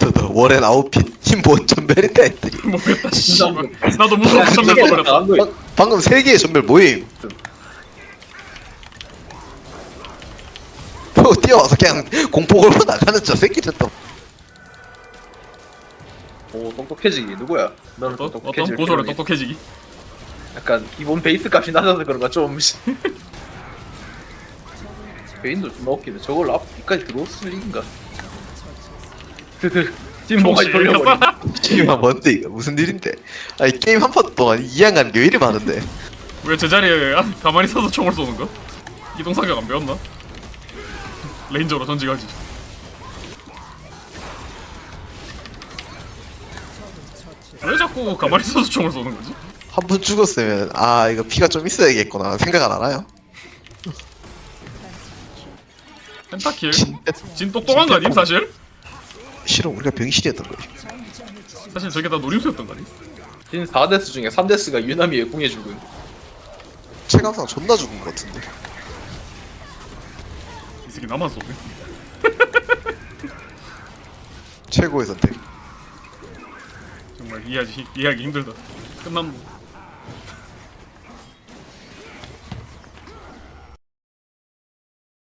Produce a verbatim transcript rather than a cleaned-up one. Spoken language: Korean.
몬스터도 월엔 아웃핏 힘본 전멸이다 했더니 모르겠다 씨발. 나도 무서워서 전멸 써버렸다. 나간 거야. 방- 방금 세 개의 전멸 모임. 또 뛰어와서 그냥 공포 걸고 나가는 저 새끼들 또 오 똑똑해지기 누구야? 너는 어떤 똑똑해질 어떤 고소를 필요는 똑똑해지기. 약간 기본 베이스 값이 낮아서 그런가 좀 베인도 좀 웃기네. 저걸 앞까지 들어왔을 리인가? 드드 찐모가지 돌려버리. 게임아 뭔데 이거 무슨 일인데? 아니 게임 한 판 동안 이양하는 게 왜 이리 많은데? 왜 제자리에 아, 가만히 서서 총을 쏘는 거? 이동 사격 안 배웠나? 레인저로 전직하지. 왜 자꾸 가만히 서서 총을 쏘는 거지? 한 번 죽었으면 아 이거 피가 좀 있어야겠구나 생각 안 하나요? 펜타킬? 진짜 진 똑똑한 거 아님 사실? 실은 우리가 병신이었던 거지. 사실 저게 다 노림수였던 거 아니? 진 사 데스 중에 삼 데스가 유나미의 궁에 죽은. 체감상 존나 죽은 것 같은데. 이 새끼 나만 쏘네. 최고의 선택. 정말 이해하기 이해하기 힘들다. 끝난 뭐.